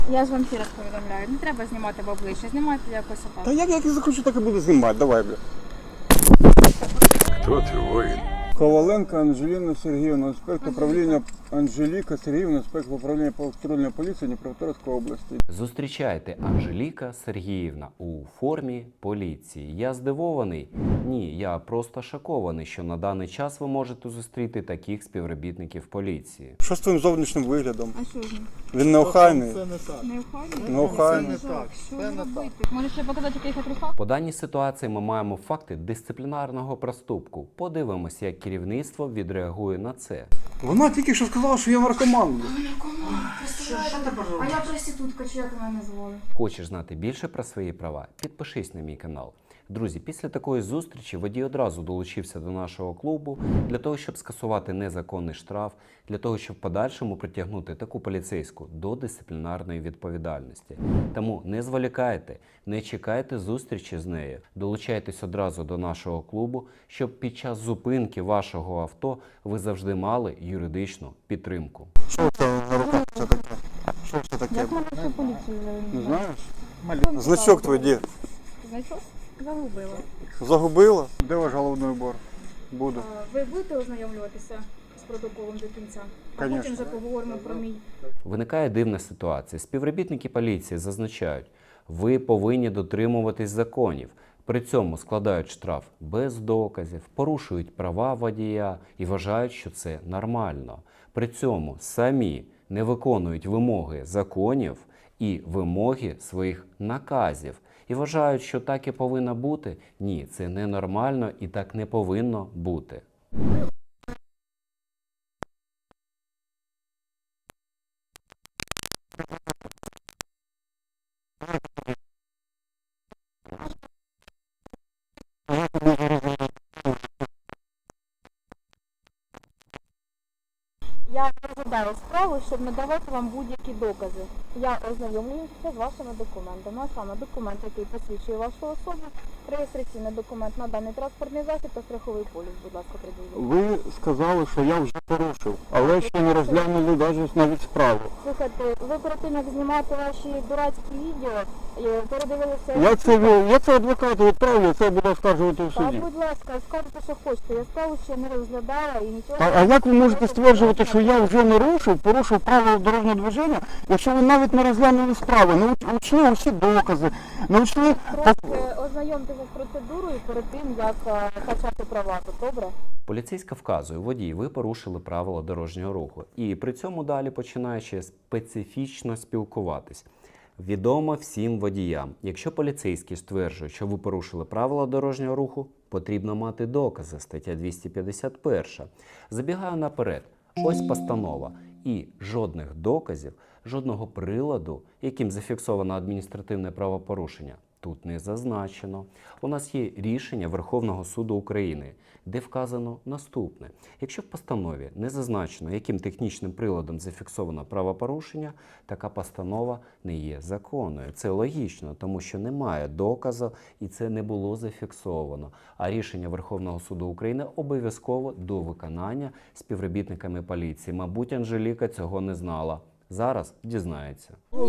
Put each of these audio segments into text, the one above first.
Я ж вам ще раз повідомляю, не треба знімати в обличчя, знімайте якось отак. Та як я захочу, так і буду знімати, давай, бля. Хто ти, воїн? Коваленко Анжеліна Сергіївна, інспектор управління Анжеліка Сергіївна, інспектор управління патрульної поліції Дніпропетровської області. Зустрічайте Анжеліка Сергіївна у формі поліції. Я здивований? Ні, я просто шокований, що на даний час ви можете зустріти таких співробітників поліції. Що з твоїм зовнішнім виглядом? А що ж він? Він неохайний. Не охайний? Неохайний. Що ж робити? Може ще показати, який я трусах? По даній ситуації ми маємо факти дисциплінарного проступку. Подивимося, як керівництво відреагує на це. Вона тільки що сказала, що я наркоман. бля. А я проститутка, чи як мене звали? Хочеш знати більше про свої права? Підпишись на мій канал. Друзі, після такої зустрічі водій одразу долучився до нашого клубу для того, щоб скасувати незаконний штраф, для того, щоб в подальшому притягнути таку поліцейську до дисциплінарної відповідальності. Тому не зволікайте, не чекайте зустрічі з нею, долучайтесь одразу до нашого клубу, щоб під час зупинки вашого авто ви завжди мали юридичну підтримку. Що це на руках це таке? Що це таке? Як мене ще поліцію Не знаєш? знаєш? Значок твій де? Значок? Загубила. Загубила? Де ваш головний убор? Буду. Ви будете ознайомлюватися з протоколом до кінця? А Конечно. потім вже поговоримо про мій. Виникає дивна ситуація. Співробітники поліції зазначають, ви повинні дотримуватись законів. При цьому складають штраф без доказів, порушують права водія і вважають, що це нормально. При цьому самі не виконують вимоги законів і вимоги своїх наказів. І вважають, що так і повинно бути. Ні, це ненормально і так не повинно бути. Я розглядаю справу, щоб надавати вам будь-які докази. Я ознайомлююся з вашими документами, а саме документ, який посвідчує вашу особу, реєстраційний документ на даний транспортний засіб та страховий поліс, будь ласка, приділіть. Ви сказали, що я вже порушив, але ще не розглянули навіть справу. Слухайте, ви перед тим, як знімати ваші дурацькі відео, передивилися... Я це адвокату відправлю, я це буду оскаржувати в Та, суді. будь ласка, скажете, що хочете. Я справу ще не розглядала і нічого... А як ви можете стверджувати, що я вже порушив правила дорожнього движення, якщо ви навіть не розглянули справу, не учли усі докази, не учли... Просто ознайомтеся з процедурою перед тим, як качати права, то добре? Поліцейська вказує, водій, ви порушили правила дорожнього руху. І при цьому далі починає ще специфічно спілкуватись. Відомо всім водіям, якщо поліцейський стверджує, що ви порушили правила дорожнього руху, потрібно мати докази, стаття 251. Забігаю наперед, ось постанова. І жодних доказів, жодного приладу, яким зафіксовано адміністративне правопорушення, тут не зазначено. У нас є рішення Верховного суду України, де вказано наступне. Якщо в постанові не зазначено, яким технічним приладом зафіксовано правопорушення, така постанова не є законною. Це логічно, тому що немає доказу і це не було зафіксовано. А рішення Верховного суду України обов'язково до виконання співробітниками поліції. Мабуть, Анжеліка цього не знала. Зараз дізнається.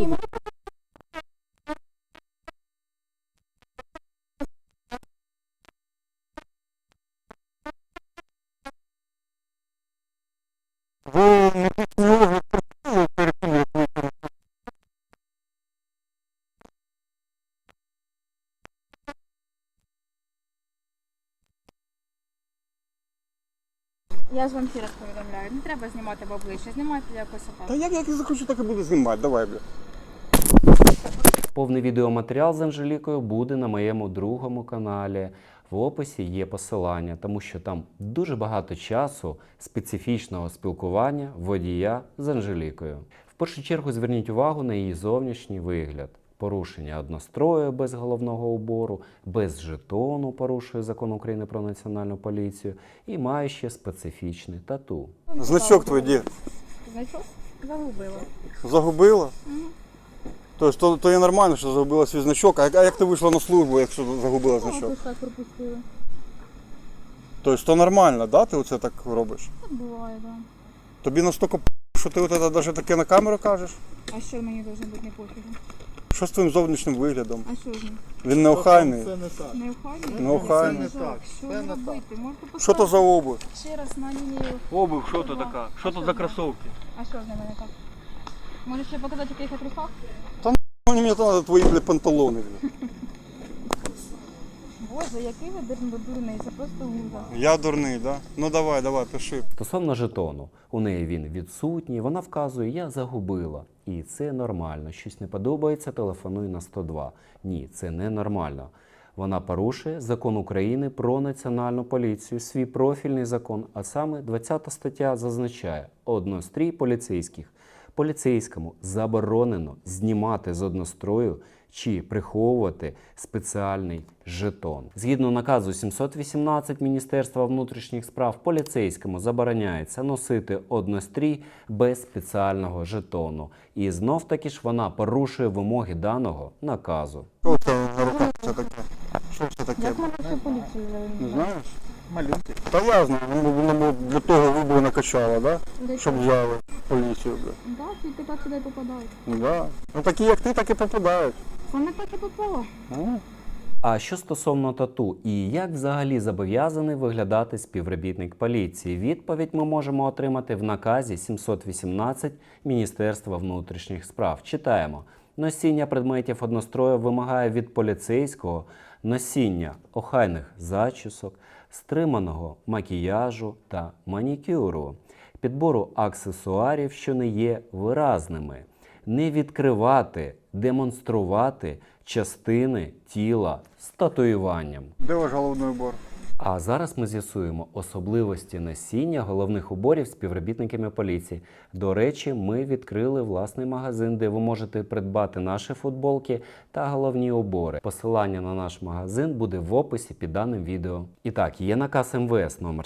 Ви не підсумовуєте перед тим, як ви... Я ж вам ще раз повідомляю, не треба знімати в обличчя, знімайте якось отак. Та як я захочу, так і буду знімати, давай, бля. Повний відеоматеріал з Анжелікою буде на моєму другому каналі. В описі є посилання, тому що там дуже багато часу специфічного спілкування водія з Анжелікою. В першу чергу зверніть увагу на її зовнішній вигляд. Порушення однострою без головного убору, без жетону порушує Закон України про національну поліцію і має ще специфічне тату. Значок твій де? Значок? Загубила. Загубила? Тобто, то є нормально, що загубила свій значок, а як ти вийшла на службу, якщо загубила значок? Ось так пропустили. Тобто, то нормально, да, ти оце так робиш? Так буває, так. Тобі настільки що ти от це навіть таке на камеру кажеш? А що мені должно бути не пофігу? Що з твоїм зовнішнім виглядом? А що ж ним? Він неохайний. Це не так. Не охайний? Неохайний. Це не так. Що Це не так. робити? Можете Що то за обувь? ще раз на лінію. Обувь, що то така? Що то за кросовки? А що з ними не так? Можеш ще показати, в яких я трусах? Мені треба твої, блядь, панталони, блядь. Боже, який ви дурний, це просто ужас. Я дурний, да? Ну давай, пиши. Стосовно жетону, у неї він відсутній, вона вказує, я загубила. І це нормально. Щось не подобається, телефонуй на 102. Ні, це не нормально. Вона порушує закон України про національну поліцію, свій профільний закон, а саме 20 стаття зазначає однострій поліцейських. Поліцейському заборонено знімати з однострою чи приховувати спеціальний жетон. Згідно наказу 718 Міністерства внутрішніх справ, поліцейському забороняється носити однострій без спеціального жетону. І знов-таки ж вона порушує вимоги даного наказу. Що це на руках це таке? Що це таке? Як мене всю поліцію Не завели? знаєш? Малюнки. Та я знаю, воно для того вибору накачало, да? Де Щоб що? взяли поліцію, блядь. Да, тільки так сюди попадають. Да. Ну такі як ти, так і попадають. Це не так і попало. Ну. А що стосовно тату і як взагалі зобов'язаний виглядати співробітник поліції? Відповідь ми можемо отримати в наказі 718 Міністерства внутрішніх справ. Читаємо. Носіння предметів однострою вимагає від поліцейського носіння охайних зачісок, стриманого макіяжу та манікюру, підбору аксесуарів, що не є виразними, не відкривати, демонструвати частини тіла з татуюванням. Де ваш головний убор? А зараз ми з'ясуємо особливості носіння головних уборів співробітниками поліції. До речі, ми відкрили власний магазин, де ви можете придбати наші футболки та головні убори. Посилання на наш магазин буде в описі під даним відео. І так, є наказ МВС номер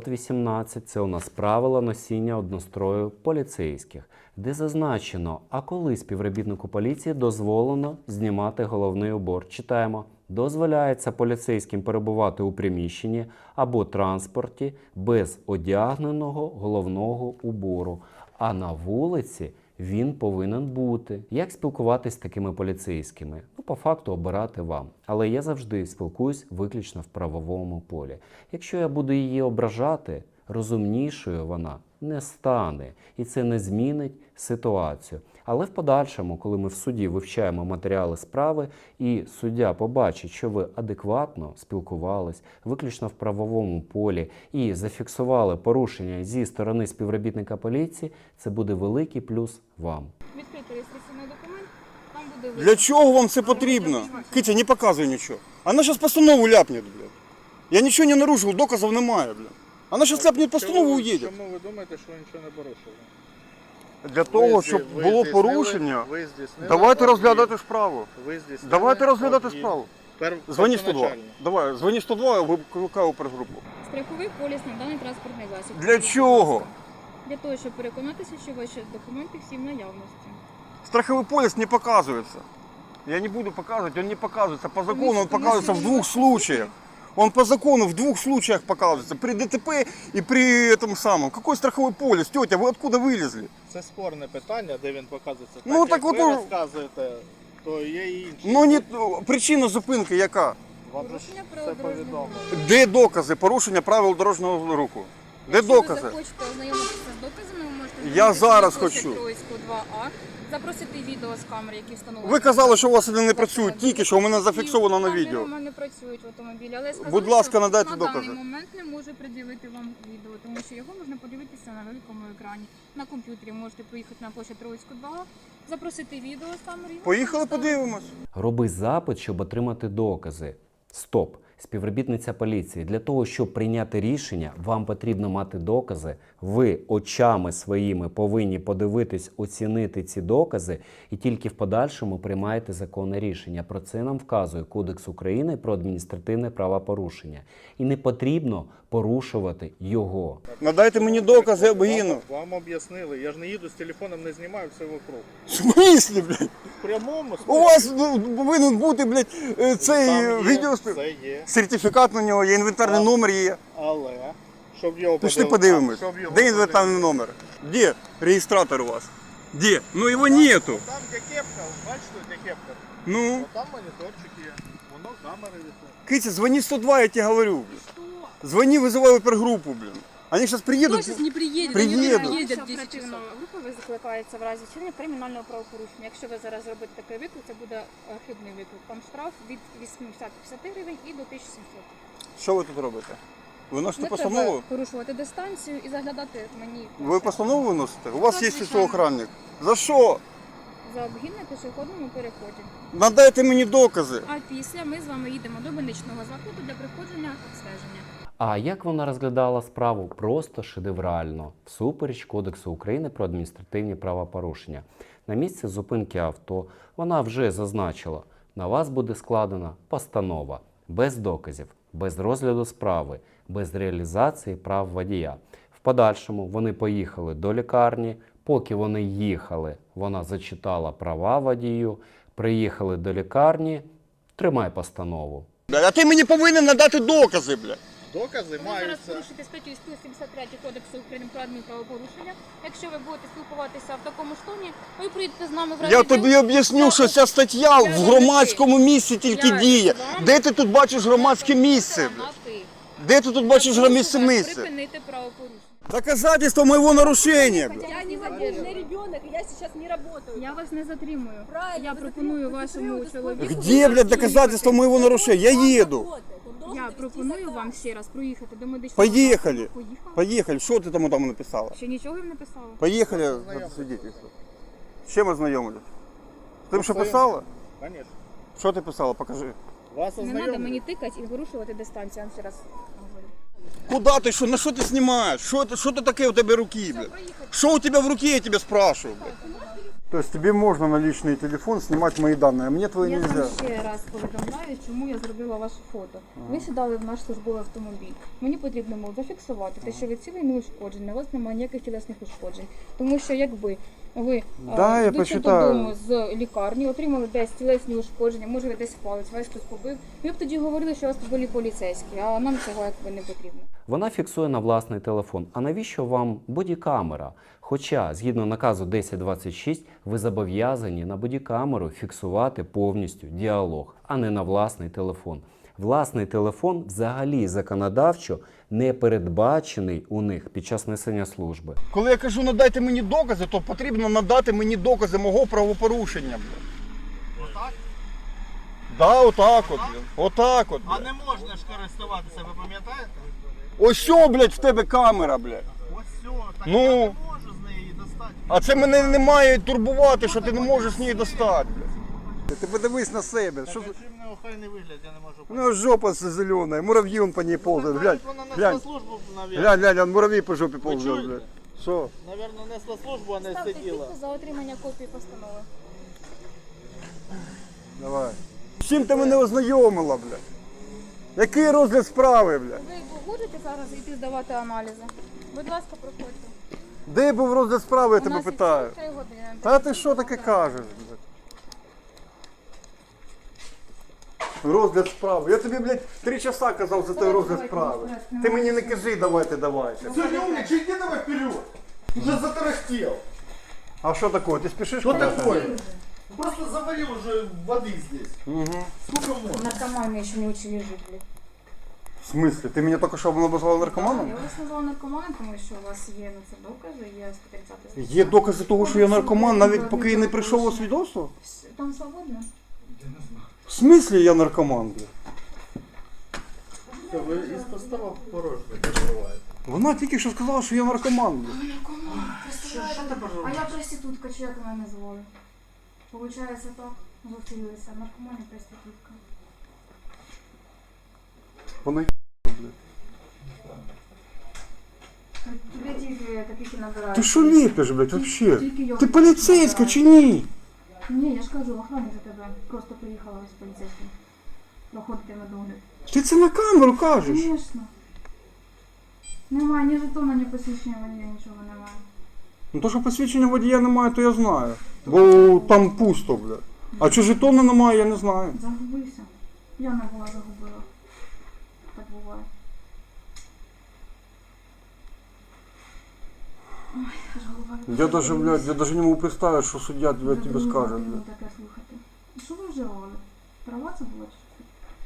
718. Це у нас правила носіння однострою поліцейських, де зазначено, а коли співробітнику поліції дозволено знімати головний убор. Читаємо. Дозволяється поліцейським перебувати у приміщенні або транспорті без одягненого головного убору, а на вулиці він повинен бути. Як спілкуватись з такими поліцейськими? Ну, по факту обирати вам. Але я завжди спілкуюсь виключно в правовому полі. Якщо я буду її ображати, розумнішою вона не стане. І це не змінить ситуацію. Але в подальшому, коли ми в суді вивчаємо матеріали справи, і суддя побачить, що ви адекватно спілкувались, виключно в правовому полі, і зафіксували порушення зі сторони співробітника поліції, це буде великий плюс вам. Відкрити реєстраційний документ, там буде Для чого вам це потрібно? Китя, не показуй нічого. Вона зараз постанову ляпне, блядь. Я нічого не нарушив, доказів немає, блядь. Вона зараз ляпне постанову і уїде. Чому ви думаєте, що ви нічого не порушили? Для того, щоб Ви було здійснили- порушення, ви здійснили давайте об'їзд. розглядати справу. Ви здійснили Давайте розглядати об'їзд. справу. Пер- Дзвони 102. першоначально. Давай, дзвони 102, я викликаю опергрупу. страховий поліс на даний транспортний засіб. Для чого? Для того, щоб переконатися, що ваші документи всі в наявності. Страховой полис не показывается. Я не буду показывать, он не показывается. По закону он Конечно, показывается в конечно, двух не случаях. Он по закону в двух случаях показывается. При ДТП и при этом самом. Какой страховой полис? Тетя, вы откуда вылезли? Це спорне питання, де він показується. Ну, так, так як от ви у- розказуєте, то є і інші. Ну, не, причина зупинки яка? Вам же Порушення все правил дорожнього повідомлено. руху. Де докази порушення правил дорожнього руху? Де Якщо ви докази? захочете ознайомитися з доказами, ви можете Я звернутися зараз на площу хочу. Троїцьку 2А, запросити відео з камер, які встановлені. Ви казали, що у вас вони не працюють, тільки що у мене зафіксовано на Камери відео. у мене працюють в автомобілі, але я сказала, Будь ласка, що надайте на докази. даний момент не можу приділити вам відео, тому що його можна подивитися на великому екрані. На комп'ютері можете поїхати на площу Троїцьку 2А, запросити відео з камери. і ви Поїхали, можете подивимось. Роби запит, щоб отримати докази. Стоп! Співробітниця поліції, для того, щоб прийняти рішення, вам потрібно мати докази. Ви очами своїми повинні подивитись, оцінити ці докази і тільки в подальшому приймаєте законне рішення. Про це нам вказує Кодекс України про адміністративне правопорушення. І не потрібно порушувати його. Надайте мені докази, я обгину. Вам об'яснили. Я ж не їду з телефоном, не знімаю все вокруг. В смислі, блядь? В прямому У вас ну, повинен бути, блядь, цей Там є, відео. Це є, Сертифікат на нього, є інвентарний номер є. але Щоб його Пішли подивимось. Щоб його Де інвентарний номер? Де реєстратор у вас? Де? Ну його нету. Там, де кепка, бачите, де кепка? Ну, Там моніторчик є, воно камери висить. Китя, звони 102, я тебе говорю. Блин. Звони, вызывай опергруппу, блин. Они сейчас приедут. Кто сейчас не приедет? Приедут. Они приедут в 10 Оперативна часов. група викликається в разі вчинення кримінального правопорушення. Якщо ви зараз зробите такий виклик, це буде хибний виклик. Там штраф від 850 гривень і до 1700. Що ви тут робите? Ви носите Не постанову? треба порушувати дистанцію і заглядати мені. Ви постанову виносите? У вас Так, є звичайно. охранник. За що? За обгін на пішохідному переході. Надайте мені докази. А після ми з вами їдемо до больничного закладу для проходження обстеження. А як вона розглядала справу? Просто шедеврально, всупереч Кодексу України про адміністративні правопорушення. На місці зупинки авто вона вже зазначила, на вас буде складена постанова без доказів, без розгляду справи, без реалізації прав водія. В подальшому вони поїхали до лікарні. Поки вони їхали, вона зачитала права водію, приїхали до лікарні, тримай постанову. А ти мені повинен надати докази, бля. Докази Ви зараз маються. порушите статтю 173 Кодексу України про адмінправопорушення. Якщо ви будете спілкуватися в такому ж тоні, ви прийдете з нами в Я райвідділ. тобі об'ясню, що ця стаття в громадському місці тільки Я діє. вам- Де ти тут бачиш громадське місце, бля? На ти. Де ти тут бачиш громадське Прошу вас місце? Припинити правопорушення. Доказательство моего нарушения, бля. Я не задержанный ребенок, я сейчас не работаю. Я вас не затримую. Правильно, Я ви пропоную затримуєте, вашому затримуєте, чоловіку. Где, блядь, доказательство моего нарушения? Я еду. Я пропоную вам ще раз проїхати до медичного Поїхали. закладу. Поїхали. Поехали. Что ты там написала? Ще нічого їм не писала. Поехали на свидетельство. С чем ознайомились? Ти що писала? Конечно. Що ти писала? Покажи. Вас Не треба мені ознайомлюють. тикати і порушувати дистанцію. Я вам ще раз говорю. Куда ти, що, на що ти знімаєш? Що ти таке у тебе руки, блядь? Що у тебе в руке, я тебе спрашиваю, блядь? То есть тебе можно на личный телефон снимать мои данные, а мне твои Я нельзя? вам ще раз повідомляю, чому я зробила ваше фото. Ви сідали в наш службовий автомобіль. Мені потрібно було зафіксувати те, що ви цілий не ушкоджений, у вас немає ніяких тілесних ушкоджень. Тому що якби ви Да, я йдучи почитаю. додому з лікарні, отримали десь тілесні ушкодження, може ви десь палець, вас хтось побив, ви б тоді говорили, що у вас побили поліцейські, а нам цього якби не потрібно. Вона фіксує на власний телефон. А навіщо вам бодікамера? Хоча, згідно наказу 1026, ви зобов'язані на бодікамеру фіксувати повністю діалог, а не на власний телефон. Власний телефон взагалі законодавчо не передбачений у них під час несення служби. Коли я кажу надайте мені докази, то потрібно надати мені докази мого правопорушення, блядь. Отак? Да, отак от, блядь. Отак от, А блядь. не можна ж користуватися, ви пам'ятаєте? Ось що, блядь, в тебе камера, блядь. Ось все, так Ну. я не можу з неї достати. А це мене не має турбувати, що ти не можеш з неї достати, блядь. Ти подивись на себе. Що... Так, а чим не охайний вигляд, я не можу Ну, жопа зелена, муравьи он по ней ползают. Глянь, Вона несла глянь, службу, глянь, он муравей по жопе ползет, чуєте? блядь. Що? Навірно, несла службу, а не Ставте сиділа. підпис за отримання копії постанови. Давай. З чим ти мене ознайомила, блядь? Який розгляд справи, блядь? Ви будете зараз йти здавати аналізи? Будь ласка, проходьте. Де був розгляд справи, я У тебе нас питаю? відсутні 3 години. Та ти що таке кажеш, блядь? Розгляд справи. Я тобі, блядь, 3 часа казав за той розгляд справи. Ти мені не кажи, давайте. Все, не умничай, иди давай вперед. Уже затарахтел. А что такое? Ты спешишь? Что куда-то? такое? Просто заварил уже воды здесь. Угу. Сколько можно? Наркоманы еще не учили жить, блядь. В смысле? Ты меня только что обозвала Я наркоманом? вас назвала наркоманом, тому що у вас є на це докази, є 130 Є докази того, що я наркоман, навіть поки я не прийшов у свідоцтво? Там свободно? В смислі я наркоман, блядь? Все, ви із постава порожньо перебуваєте. Вона тільки що сказала, що я наркоман, блядь. Наркоман, Що ти А переживаєш? я проститутка, чи як мене називали? Получається так, зустрілися, наркоман і проститутка. Вона блядь. Тобі тільки таких і набирають. Ти що ліпиш, блядь, вообще? Тільки його Ти поліцейська чи ні? Ні, я ж кажу, охорони за тебе. Просто приїхала з поліцейським. Проходити медогляд. Ти це на камеру кажеш? Звісно. Немає ні жетона, ні посвідчення водія, нічого немає. Ну то, що посвідчення водія немає, то я знаю. Бо там пусто, блядь. А чи жетона немає, я не знаю. Загубився. Я не була загубила. Так буває. Я даже, блядь, я даже не могу представить, что судья тебе скажет, блядь. Таке слухати. І що ви вживали? Трава це була чи що?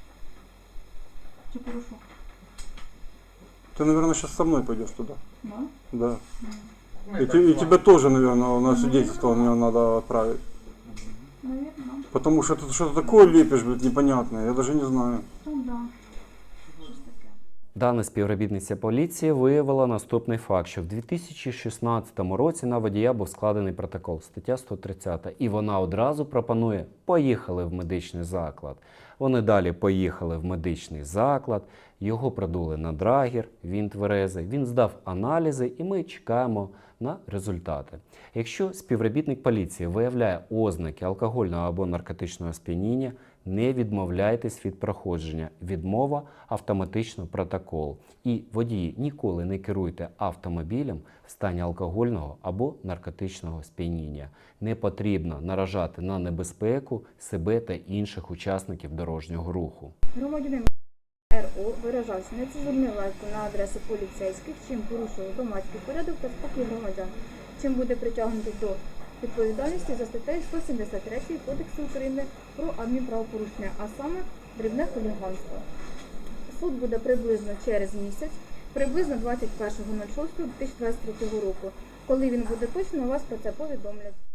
Чи порошок? Ты, наверное, сейчас со мной пойдешь туда. Да? Да. И тебя тоже, наверное, на свидетельство мне надо отправить. Навірно. Потому что ты что-то такое лепишь, блядь, непонятное. Я даже не знаю. Ну да. Щось таке. Дана співробітниця поліції виявила наступний факт, що в 2016 році на водія був складений протокол, стаття 130, і вона одразу пропонує «поїхали в медичний заклад». Вони далі поїхали в медичний заклад, його продули на драгер, він тверезий, він здав аналізи і ми чекаємо на результати. Якщо співробітник поліції виявляє ознаки алкогольного або наркотичного сп'яніння, не відмовляйтесь від проходження. Відмова – автоматично протокол. І водії, ніколи не керуйте автомобілем в стані алкогольного або наркотичного сп'яніння. Не потрібно наражати на небезпеку себе та інших учасників дорожнього руху. Громадянин РО виражався нецензурною лайкою на адресу поліцейських, чим порушував громадський порядок та спокій громадян, чим буде притягнутий до відповідальності за статтею 173 Кодексу України про адмінправопорушення, а саме дрібне хуліганство. Суд буде приблизно через місяць, приблизно 21.06.2023 року. Коли він буде точно, вас про це повідомлять.